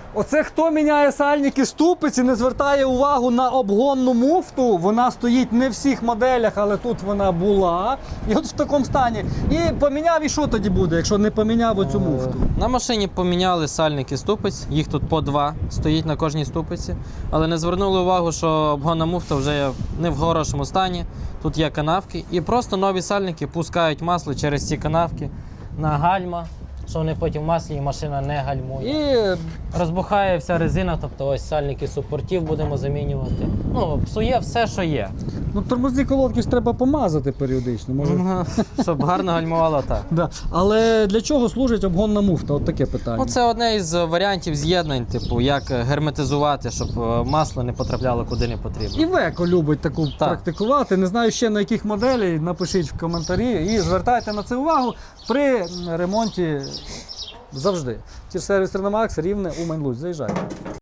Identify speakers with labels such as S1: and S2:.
S1: Оце хто міняє сальники ступиці, не звертає увагу на обгонну муфту. Вона стоїть не в всіх моделях, але тут вона була. І от в такому стані. І поміняв, і що тоді буде, якщо не поміняв оцю муфту?
S2: На машині поміняли сальники ступиць, їх тут по 2 стоїть на кожній ступиці, але не звернули увагу, що обгонна муфта вже не в хорошому стані, тут є канавки, і просто нові сальники пускають масло через ці канавки на гальма, що вони потім в маслі і машина не гальмує.
S1: І
S2: Розбухає вся резина, тобто ось сальники супортів будемо замінювати. Ну, псує все, що є.
S1: ну, тормозні колодки ж треба помазати періодично. Може...
S2: Щоб гарно гальмувало, так.
S1: Да. Але для чого служить обгонна муфта? От таке питання.
S2: Ну, це одне із варіантів з'єднань, типу, як герметизувати, щоб масло не потрапляло куди не потрібно.
S1: І Веко любить таку
S2: Так.
S1: практикувати. Не знаю ще на яких моделі, напишіть в коментарі і звертайте на це увагу при ремонті завжди. Сервіс Реномакс, Рівне, Умань, Луцьк. Заїжджайте.